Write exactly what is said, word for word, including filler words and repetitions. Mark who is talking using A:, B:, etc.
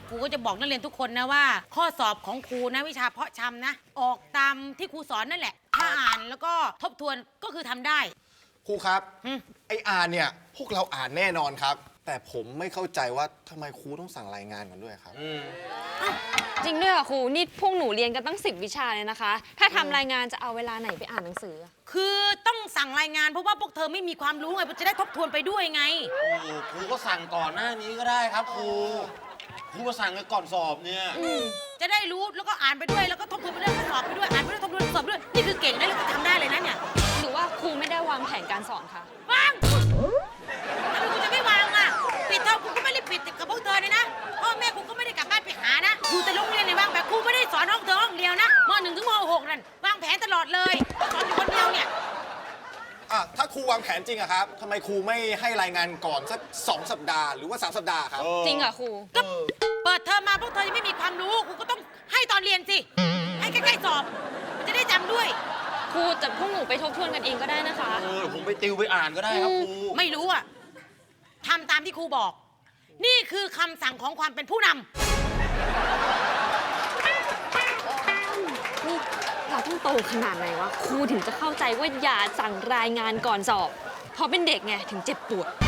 A: ครูก็จะบอกนักเรียนทุกคนนะว่า ข้อสอบของครูนะวิชาเพาะชำนะ ออกตามที่ครูสอนนั่นแหละถ้าอ่านแล้วก็ทบทวนก็คือทำได้
B: ครูครับ
A: อืม
B: ไออ่านเนี่ยพวกเราอ่านแน่นอนครับ แต่ผมไม่เข้าใจว่าทำไมครูต้องสั่งรายงานกันด้วยครับ
C: จริงด้วยค่ะครูนี่พวกหนูเรียนกันตั้งสิบวิชาเลยนะคะ ถ้าทำรายงานจะเอาเวลาไหนไปอ่านหนังสือ
A: คือต้องสั่งรายงานเพราะว่าพวกเธอไม่มีความรู้ไงจะได้ทบทวนไปด้วยไง
D: โอ้ครูก็สั่งก่อนหน้านี้ก็ได้ครับครูครูมาสั่งกันก่อนสอบเนี่ย
A: จะได้รู้แล้วก็อ่านไปด้วยแล้วก็ทบทวนไปด้วยแล้วก็สอบไปด้วยอ่านไปด้วยทบทวนสอบไปด้วยนี่คือเก่งได้แล้วก็ทำได้เลยนะเนี่ย
C: หรือว่าครูไม่ได้วางแผนการสอนคะ
A: วางทำไมกูจะไม่วางอ่ะปิดเทอมกูก็ไม่ได้ปิดกับพวกเธอเลยนะพ่อแม่กูก็ไม่ได้กลับบ้านไปหานะอยู่แต่โรงเรียนในวางแผนครูไม่ได้สอนห้องเธอห้องเดียวนะมหนึ่งถึงมหกนั่นวางแผนตลอดเลยสอนอยู่คนเดียวเนี่ย
B: อ่ะถ้าครูวางแผนจริงอะครับทำไมครูไม่ให้รายงานก่อนสักสองสัปดาห์หรือว่าสามสัปดาห์ครับ
C: จริงเหรอครู
A: ก็เปิดเทอมมาพวกเธอยังไม่มีความรู้ครูก็ต้องให้ตอนเรียนสิให้ใกล้ๆสอบมันจะได้จำด้วย
C: ครูแต่พวกหนูไปทบทวนกันเองก็ได้นะคะ
D: เออผมไปติวไปอ่านก็ได้ครับครู
A: ไม่รู้อ่ะทำตามที่ครูบอก นี่คือคำสั่งของความเป็นผู้นำ
C: นี่เราต้องโตขนาดไหนวะครูถึงจะเข้าใจว่าอย่าสั่งรายงานก่อนสอบเพราะเป็นเด็กไงถึงเจ็บปวด